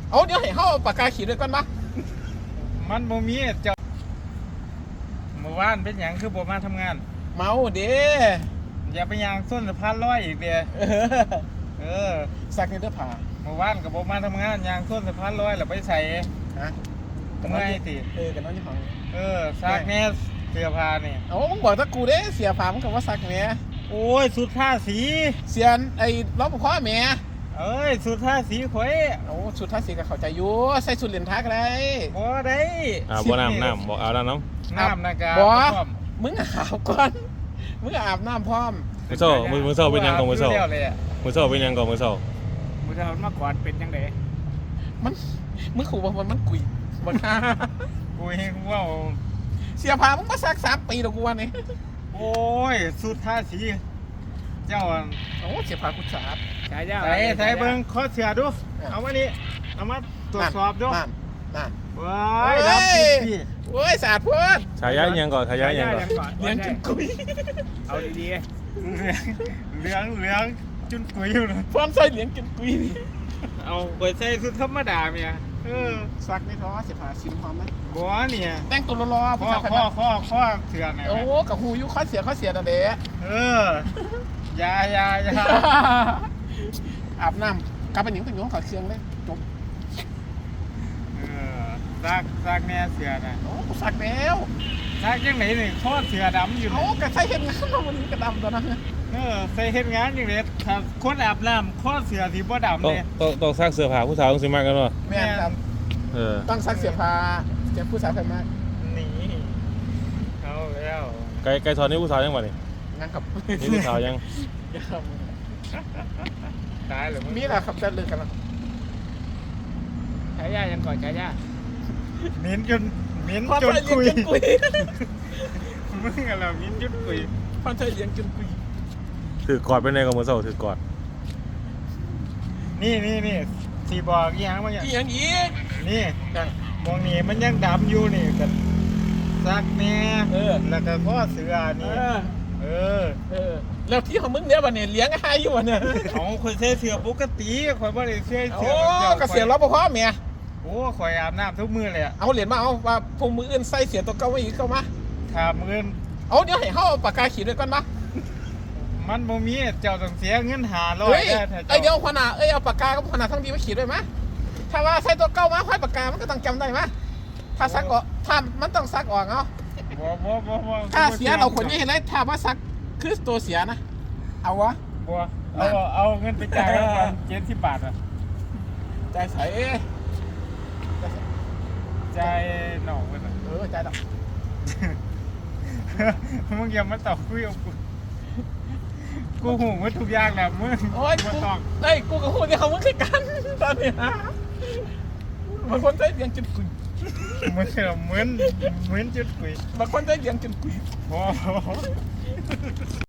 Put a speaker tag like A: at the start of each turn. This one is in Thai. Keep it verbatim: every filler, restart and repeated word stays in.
A: เอาเดี๋ยวให้เขาเอาปากกาขีดด้วยก่อนปะ
B: มันบ่มีเจ้าเมื่อวานเป็นหยังคือบ่มาทำงาน
A: เมาเด้
B: อย่าไปยางส้นสะพานลอยอีกเด้อเออ
A: สักนิดเด้อผ่า
B: เมื่อวานกับบ่มาทำงานยางส้นสะพานลอยแล้วไปใส่
A: ฮะ
B: เมื่อยติ
A: เออกันน้องยี่ห้อ
B: เออซักแน่เสื้อผ้านี่
A: เอามึงบอกตะกูเด้เสียผ้ามึงกับว่าซักแม่
B: โอ้ยสุดท่าสี
A: เสียนไอ้ล้อมพ่อแม่
B: เอ้ยสุดท่าสีข่อย
A: โอ้สุดท่าสีก็เข้าใจอยู่ใส่สุดเหรียญทักอะไร
B: บ่ได้
C: อ่าบ่น้ำน้ำบ่เอาแล้วน้
B: ำน้ำนะกา
A: บ่มึงอาบก่อนมึงอาบน้ำพร้อม
C: มือโซ่มือมือโซ่เป็นยังก่อนมือโซ่มือโซ่เป็นยังก่อนมือโซ่
B: มือโซ่มาก่อนเป็นยังไง
A: มันมึงขู่ว่ามันมันกุยบ่ท่า
B: กุยว่า
A: เสียผ้ามึงมาซักสามปีแล้วกูวันนี้
B: โอ้ยสุดท่าสีเจ้า
A: โอ้เสียผ้ากูสาบ
B: ใส่ใส่ใส่เบิ้งข้อเสียดูเอามานี่เอามาตรวจสอบดู
A: นั่นนั่น
B: ว้ายรับพี่
A: โอ้ยสาดพูด
C: ฉายายังก่อนฉายายังก่อน
A: เลี้ยงจุนกุย
B: เอาดีๆเหลืองเหลืองจุนกุยอยู่นะ
A: พร้อมใส่เลี้ยงจุนกุย
B: เอาไปใส่สุดธรรมดาเมียเออ
A: ซักไม่ท้อเสียผ้าชิมพร้อมไหม
B: บัวเนี่ย
A: แต่งตัวรอ
B: ๆข้อข้อข้อข้อเสือไหน
A: โอ้กับหูยุข้อเสียข้อเสียนั่นเด้
B: เออยายายา
A: อาบน้ำกลับไปหนิงไปหนิงขอเชียงเลยจบ
B: เออซักซักแน่เสือน่ะ
A: โอ้ซักแล้ว
B: ซักยังไหนนี่ข้อเสือดำอยู่
A: โอ้กระใส่เห็ดงานวันนี้กระดำตอนนั้น
B: เออใส่เห็ดงานอย่างเด็ดถ้าคนอาบน้ำข้อเสือที่บ่ดำ
C: เนี่ยต้องต้องซักเสื้อผ้าผู้สาวต้องสิมากกันวะ
A: แม่ครับ
C: เออ
A: ต้องซักเสื้อผ้าเจ้าผู้สาวเป็นมาก
B: นี่เอาแล้ว
C: ไก่ไก่ทอดนี่ผู้สาวยังวะนี่
A: งั้นกับ
C: นี่ผู้สาวยัง
B: ตายหรือ
A: มีอะไรครับจะเลิกกันแล้ว
B: ใช้ยายังก่อนใช้ยาเหม็นจนเหม็นจน
A: กุย
B: มึงอะไรเหม็นจนกุย
A: พ่อใช้เลี้ยงจนกุย
C: ถือกอดไปในกับมือโซ่ถือกอด
B: นี่นี่นี่สีบอกอีหยังมาอย่าง
A: อีหยังอีก
B: นี่มองนี่มันยังดำอยู่นี่กันซักแน่
A: เออ
B: แล้วก็ข้อเสือนี่เออ
A: เออแล้วที่ของมึงเนี่ยวันนี้เลี้ยงให้อยู่วันเนี่ย
B: ของคนเสียเสือปกติข่อยบ่ได้เสียเสือ
A: โอ้ก็เสียรปภเมีย
B: โอ้ข่อยอาบน้ำทุกมื้อเลยอ่ะ
A: เอาเหรียญมาเอาว่าพวกมืออื่นใส่เสียตัวเก่าไว้อีกเข้ามา
B: ถามมืออื่น
A: เอาเดี๋ยวให้เขาเอาปากกาขีดด้วยก่อนปะ
B: มันบ่มีเจ้าต้องเสียเงินหาร้อย
A: ไอเดี๋ยวขนาดเอ้ยเอาปากกากับขนาดทั้งดีมาขีดด้วยมั้ยถ้าว่าใส่ตัวเก่ามาค่อยปากกามันก็ต้องจำได้มั้ยถ้าซักออกถ้ามันต้องซักออกเอา
B: บ่บ่บ่บ่
A: ถ้าเสียเราคนนี้เห็นไหมถ้าว่าซักคือตัวเสียนะเอาวะ
B: บ่เอาเอาเงินไปจ่ายกันเจ็ดสิบบาทอ่ะ
A: จ่ายใส่
B: จ่ายหน่องไปเ
A: ออจ่ายดอก
B: มึงอย่ามาตอบคุยกับกูกูหูว่าทุกอย่างแหละมึง
A: โอ้ยกูไอ้กูกับหูเนี่ยเขามึงคือกันตอนนี้ฮะบางคนใช้เลี้ยงจนกุย
B: เหมือนเหมือนเหมือนจุดกุย
A: บางคนใช้เลี้ยงจนกุย
B: โอ้